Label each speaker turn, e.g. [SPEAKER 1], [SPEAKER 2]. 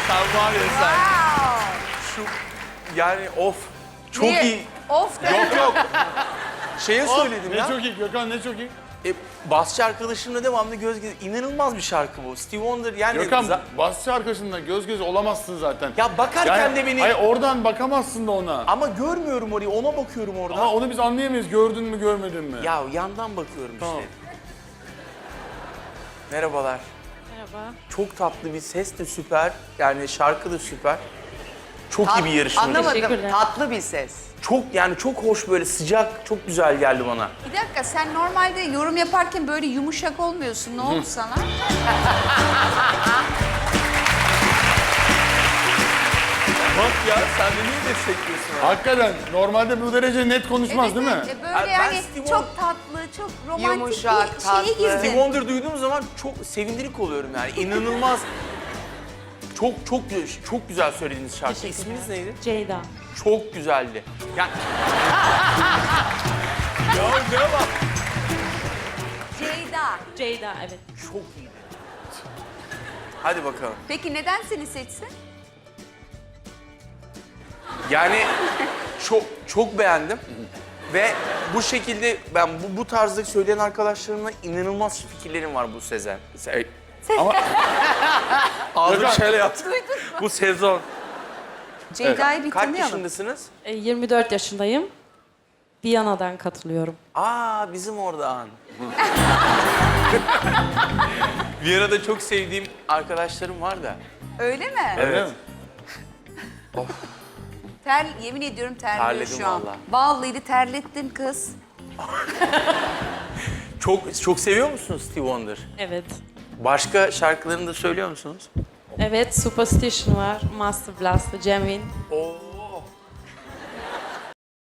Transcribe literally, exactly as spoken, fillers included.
[SPEAKER 1] Sen var ya sen.
[SPEAKER 2] Wow.
[SPEAKER 1] Şu yani of. Çok
[SPEAKER 2] Niye?
[SPEAKER 1] iyi.
[SPEAKER 2] Of de.
[SPEAKER 1] Yok yok. Şeye söyledim
[SPEAKER 3] Ne
[SPEAKER 1] ya.
[SPEAKER 3] çok iyi Gökhan, ne çok iyi.
[SPEAKER 1] E, basçı arkadaşımla devamlı göz göz. İnanılmaz bir şarkı bu. Steve Wonder yani.
[SPEAKER 3] Gökhan,
[SPEAKER 1] za-
[SPEAKER 3] basçı arkasında göz göz olamazsın zaten.
[SPEAKER 1] Ya bakarken de beni.
[SPEAKER 3] Hayır, oradan bakamazsın da ona.
[SPEAKER 1] Ama görmüyorum orayı. Ona bakıyorum orada.
[SPEAKER 3] Ama onu biz anlayamayız, gördün mü görmedin mi?
[SPEAKER 1] Ya yandan bakıyorum
[SPEAKER 3] Tamam.
[SPEAKER 1] işte. Merhabalar.
[SPEAKER 4] Merhaba.
[SPEAKER 1] Çok tatlı bir ses de süper. Yani şarkı da süper. Çok iyi bir yarışmacı.
[SPEAKER 2] Anlamadım.
[SPEAKER 4] Teşekkürler.
[SPEAKER 2] Tatlı bir ses.
[SPEAKER 1] Çok yani çok hoş böyle sıcak, çok güzel geldi bana.
[SPEAKER 2] Bir dakika sen normalde yorum yaparken böyle yumuşak olmuyorsun. Ne oldu sana?
[SPEAKER 1] Bak ya sen de niye destekliyorsun? abi?
[SPEAKER 3] Hakikaten normalde bu derece net konuşmaz değil mi?
[SPEAKER 2] evet, e,
[SPEAKER 1] Abi
[SPEAKER 2] böyle
[SPEAKER 1] ben
[SPEAKER 2] yani
[SPEAKER 1] Steve
[SPEAKER 2] çok
[SPEAKER 1] Wonder-
[SPEAKER 2] tatlı, çok romantik
[SPEAKER 5] Yumuşak,
[SPEAKER 2] bir
[SPEAKER 5] tatlı.
[SPEAKER 2] şeye
[SPEAKER 1] Steve
[SPEAKER 2] girdin.
[SPEAKER 1] Wonder duyduğum zaman çok sevindirik oluyorum yani. İnanılmaz. Çok çok gü- çok güzel söylediğiniz şarkı.
[SPEAKER 4] Teşekkürler.
[SPEAKER 1] İsminiz neydi?
[SPEAKER 4] Ceyda.
[SPEAKER 1] Çok güzeldi. Yani... ya ne bak?
[SPEAKER 2] Ceyda.
[SPEAKER 4] Ceyda, evet.
[SPEAKER 1] Çok iyiydi. Hadi bakalım.
[SPEAKER 2] Peki neden seni seçsin?
[SPEAKER 1] Yani çok çok beğendim. Ve bu şekilde ben bu, bu tarzda söyleyen arkadaşlarımla inanılmaz fikirlerim var bu sezen. Se
[SPEAKER 3] Ama
[SPEAKER 1] Ağzım
[SPEAKER 3] Gökhan.
[SPEAKER 1] şöyle yaptı. Bu sezon.
[SPEAKER 2] Ceyda'yı bir
[SPEAKER 1] Kaç
[SPEAKER 2] tanıyalım.
[SPEAKER 1] yaşındasınız?
[SPEAKER 4] E, yirmi dört yaşındayım. Viyana'dan katılıyorum.
[SPEAKER 1] Aa bizim oradan. Viyana'da çok sevdiğim arkadaşlarım var da.
[SPEAKER 2] Öyle mi?
[SPEAKER 3] öyle mi?
[SPEAKER 2] Ter, yemin ediyorum terliyor
[SPEAKER 1] Terledim
[SPEAKER 2] şu an.
[SPEAKER 1] vallahi.
[SPEAKER 2] Vallahi terlettin kız.
[SPEAKER 1] Çok çok seviyor musunuz Steve Wonder?
[SPEAKER 4] Evet.
[SPEAKER 1] Başka şarkılarını da söylüyor musunuz?
[SPEAKER 4] Evet, Superstition var, Master Blast, Jamin.
[SPEAKER 1] Oo.